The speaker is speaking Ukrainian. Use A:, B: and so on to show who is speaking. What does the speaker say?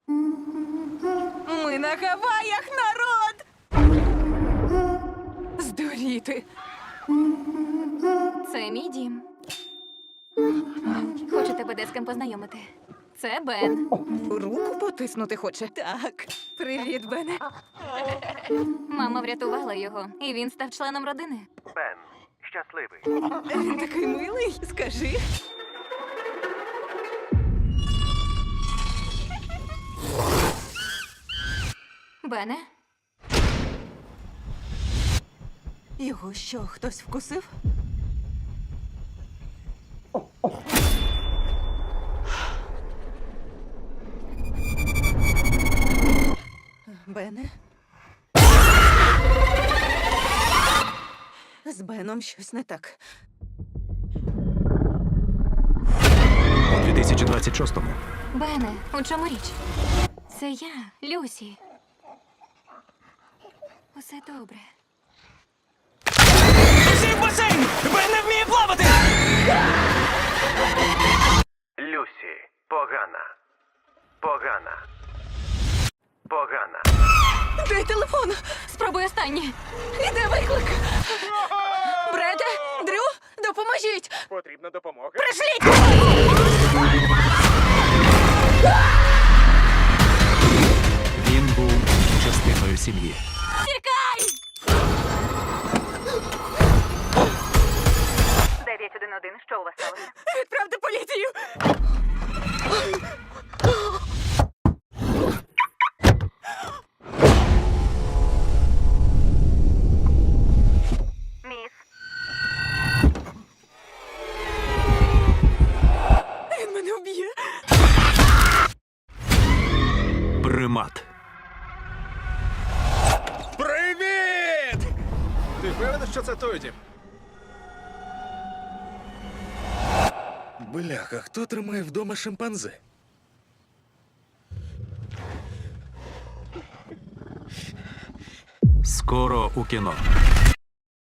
A: Ми на Гаваях, народ! Здуріти.
B: Це мій дім. Хочу тебе де з ким познайомити. Це Бен.
A: Руку потиснути хоче. Так. Привіт, Бене.
B: Мама врятувала його, і він став членом родини.
C: Бен, щасливий.
A: Він такий милий. Скажи.
B: Бене,
A: Його що, хтось вкусив? Бене? З Беном щось не так.
D: У 2026-му
B: Бене, у чому річ? Це я, Люсі. Усе добре.
E: Всі в басейн! Бен не вміє плавати!
C: Люсі, погана. Погана. Погана.
A: Дай телефон!
B: Спробуй останнє.
A: Іде виклик! Бреде, Дрю, допоможіть!
C: Потрібна допомога.
D: він був частиною сім'ї.
B: Тікай!
F: 911, що у вас сталося?
A: Відправте поліцію!
F: Міс,
A: Він мене вб'є!
D: Примат.
E: Привіт! Ти впевнений, що це той дім? Бляха, хто тримає вдома шимпанзе?
D: Скоро у кіно.